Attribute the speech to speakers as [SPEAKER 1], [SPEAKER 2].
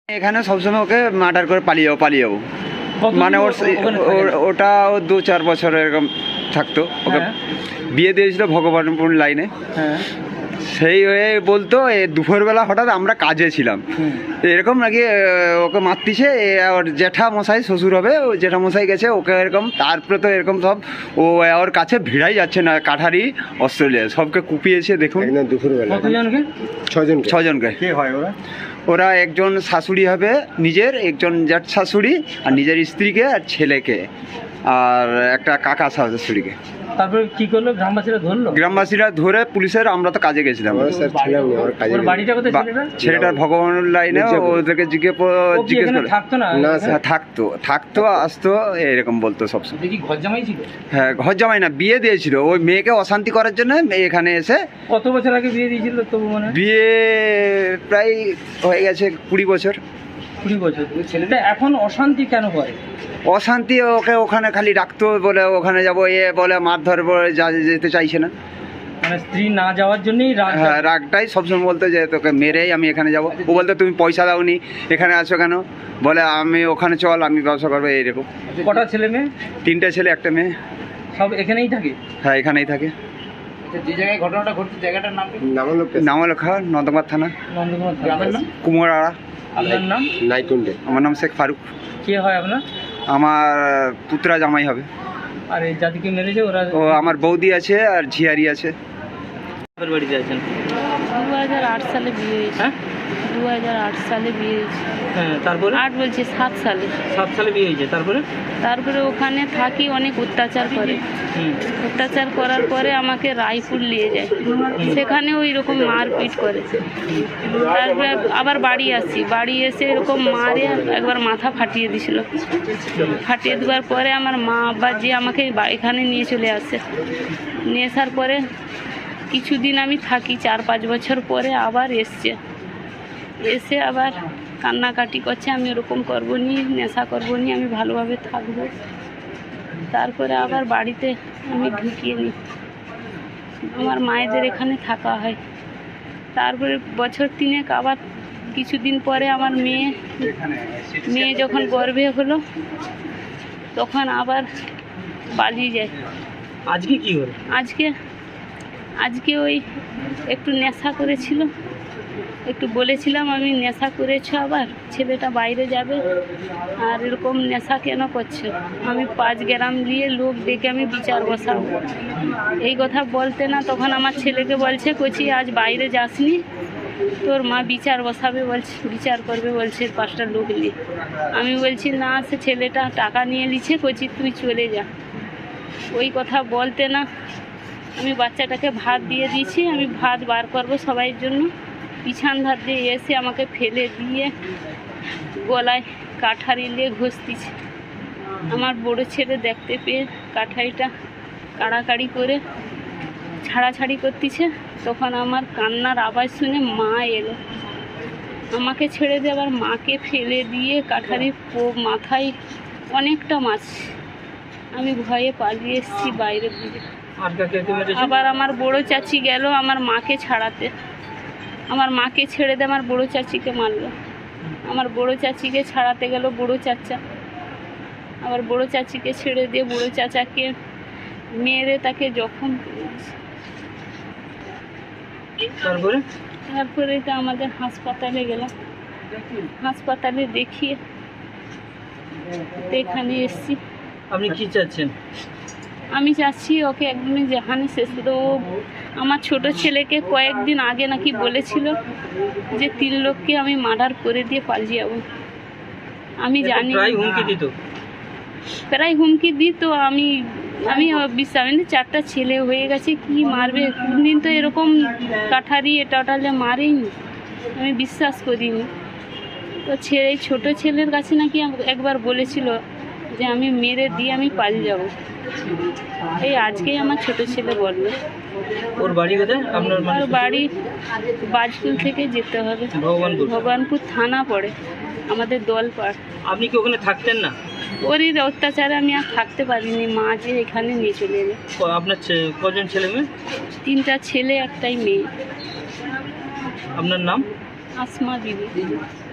[SPEAKER 1] এখানে সবসময় ওকে মার্ডার করে পালিয়ে যাবো মানে ওটা 2-4 বছর এরকম থাকতো। ওকে বিয়ে দিয়েছিল ভগবানপুর লাইনে। সেই হয়ে বলতো দুপুরবেলা হঠাৎ আমরা কাজে ছিলাম, এরকম নাকি ওকে মারতিছে। ওর জ্যাঠা মশাই শ্বশুর হবে, ও জ্যাঠা মশাই গেছে ওকে এরকম, তারপরে তো এরকম সব ও ওর কাছে ভিড়াই যাচ্ছে না, কাঠারি অস্ট্রেলিয়া সবকে কুপিয়েছে। দেখুন দুপুরবেলা 6জনকে। কে হয় ওরা? ওরা একজন শাশুড়ি হবে নিজের, একজন জ্যাঠ শাশুড়ি আর নিজের স্ত্রীকে আর ছেলেকে, আর একটা কাকা শাশুড়িকে।
[SPEAKER 2] তারপরে কি করলো? গ্রামবাসীরা
[SPEAKER 1] ধরে পুলিশের, আমরা তো কাজে গেছিলাম। ছেলেটার ভগবান লাইনে ওদেরকে জিজ্ঞেস করে থাকতো আসতো এরকম বলতো সবসময়। হ্যাঁ, ঘর জামাই না, বিয়ে দিয়েছিল। ওই মেয়েকে অশান্তি করার জন্য এখানে এসে।
[SPEAKER 2] কত বছর আগে বিয়ে দিয়েছিল?
[SPEAKER 1] বিয়ে প্রায় হয়ে গেছে 20 বছর।
[SPEAKER 2] 20 বছর। ছেলেটা এখন অশান্তি কেন করে?
[SPEAKER 1] অশান্তি ওকে ওখানে খালি রাখতো, বলে ওখানে যাবো বলে মারধর বলে যেতে চাইছে না,
[SPEAKER 2] মানে স্ত্রী না যাওয়ার জন্যই
[SPEAKER 1] হ্যাঁ রাগটাই সবসময় বলতো যে তোকে মেরেই আমি এখানে যাবো। ও বলতো তুমি পয়সা দাওনি, এখানে আছো কেন? বলে আমি ওখানে চল, আমি ব্যবসা করবো এইরকম।
[SPEAKER 2] কটা ছেলে মেয়ে?
[SPEAKER 1] 3টে ছেলে 1টা মেয়ে।
[SPEAKER 2] সব এখানেই থাকে?
[SPEAKER 1] হ্যাঁ, এখানেই থাকে।
[SPEAKER 2] যে জায়গায় ঘটনাটা ঘটছে জায়গাটার নাম কি?
[SPEAKER 1] নামলেখা, নন্দকুমার থানা,
[SPEAKER 2] গ্রামের নাম
[SPEAKER 1] কুমোরাড়া।
[SPEAKER 2] আপনার নাম?
[SPEAKER 1] নাইকুন্ডে। আমার নাম শেখ ফারুক।
[SPEAKER 2] কে হয় আপনার?
[SPEAKER 1] আমার পুত্রা জামাই হবে।
[SPEAKER 2] আর এই জাতিকে মেরেছে ওরা?
[SPEAKER 1] ও আমার বৌদি আছে আর ঝিয়ারি আছে।
[SPEAKER 2] বাড়িতে আছেন?
[SPEAKER 3] 2008 সালে বিয়ে হয়েছে। 2008 সালে বিয়ে হয়েছে।
[SPEAKER 2] হ্যাঁ, তারপরে?
[SPEAKER 3] 8 বলছি 7 সালে।
[SPEAKER 2] 7 সালে বিয়ে হয়েছে।
[SPEAKER 3] তারপরে ওখানে থাকি, অনেক অত্যাচার করে। অত্যাচার করার পরে আমাকে রায়পুর নিয়ে যায়, সেখানে ওই রকম মারপিট করে। তারপরে আবার বাড়ি আসি, বাড়ি এসে এরকম মারে একবার মাথা ফাটিয়ে দিছিল। ফাটিয়ে দেওয়ার পরে আমার মা আব্বা যে আমাকে এখানে নিয়ে চলে আসে। নিয়ে আসার পরে কিছুদিন আমি থাকি, 4-5 বছর পরে আবার এসে আবার কান্নাকাটি করছে, আমি ওরকম করবো নি, নেশা করবো নি, আমি ভালোভাবে থাকবো। তারপরে আবার বাড়িতে আমি ঢুকিয়ে নিই, আমার মায়েদের এখানে থাকা হয়। তারপরে বছর 3 আবার কিছুদিন পরে আমার মেয়ে যখন গর্ভে হলো তখন আবার পালিয়ে যায়।
[SPEAKER 2] আজকে কি হলো?
[SPEAKER 3] আজকে ওই একটু নেশা করেছিল, একটু বলেছিলাম আমি নেশা করেছো, আবার ছেলেটা বাইরে যাবে আর এরকম নেশা কেন করছো? আমি 5 গ্রাম দিয়ে লোক ডেকে আমি বিচার বসাবো। এই কথা বলতে না, তখন আমার ছেলেকে বলছে, কচি আজ বাইরে যাসনি, তোর মা বিচার বসাবে বলছে, বিচার করবে বলছে 5টা লোক নিয়ে। আমি বলছি না, সে ছেলেটা টাকা নিয়ে নিচ্ছে, কচি তুই চলে যা। ওই কথা বলতে না, আমি বাচ্চাটাকে ভাত দিয়ে দিয়েছি, আমি ভাত বার করবো সবাই জন্য। পিছন ধার দিয়ে এসে আমাকে ফেলে দিয়ে গলায় কাঠারি নিয়ে ঘষতিছে। আমার বড় ছেলে দেখতে পেয়ে কাঠারিটা কাড়াকাড়ি করে ছাড়াছাড়ি করতেছে। তখন আমার কান্নার আওয়াজ শুনে মা এলো, আমাকে ছেড়ে দিয়ে আবার মাকে ফেলে দিয়ে কাঠারি মাথায় অনেকটা মাছ। আমি ভয়ে পালিয়ে এসেছি বাইরের দিকে। আবার আমার বড় চাচি গেল আমার মাকে ছাড়াতে, আমার মাকে ছেড়ে দিয়ে আমার বড় চাচিকে মারলো। আমার বড় চাচিকে ছাড়াতে গেল বড় চাচা, আবার বড় চাচিকে ছেড়ে দিয়ে বড় চাচাকে মেরে তাকে জখম করেছে। তারপরে তো আমাদের হাসপাতালে গেলাম, হাসপাতালে দেখিয়ে এখানে এসছি।
[SPEAKER 2] আপনি কি চাচ্ছেন?
[SPEAKER 3] আমি চাচ্ছি ওকে একদমই যেখানে শেষ তো। আমার ছোট ছেলেকে কয়েকদিন আগে নাকি বলেছিল যে 3 লোককে আমি মার্ডার করে দিয়ে পালিয়ে যাবো। আমি জানি
[SPEAKER 2] প্রায়
[SPEAKER 3] হুমকি দিত। আমি বিশ্বাস, 4টা ছেলে হয়ে গেছে, কি মারবে? কোনদিন তো এরকম কাঠারি টোটালে মারেইনি, আমি বিশ্বাস করিনি। তো ছোট ছেলের কাছে নাকি একবার বলেছিল যে আমি মেরে দিয়ে আমি পালিয়ে যাব। এই আজকেই আমার ছোট ছেলে বললো।
[SPEAKER 2] ওর বাড়ি কোথায়? আপনার
[SPEAKER 3] বাড়ি বাজকুল থেকে যেতে হবে, ভগবানপুর থানা পড়ে, আমাদের দলপাড়।
[SPEAKER 2] আপনি কি ওখানে থাকতেন না?
[SPEAKER 3] ওর অত্যাচারে আমি আর থাকতে পারিনি, মা যে এখানে নিয়ে চলে এলো।
[SPEAKER 2] আপনার কজন ছেলে মেয়ে?
[SPEAKER 3] 3টা ছেলে 1টাই মেয়ে।
[SPEAKER 2] আপনার নাম?
[SPEAKER 3] আসমা বিবি।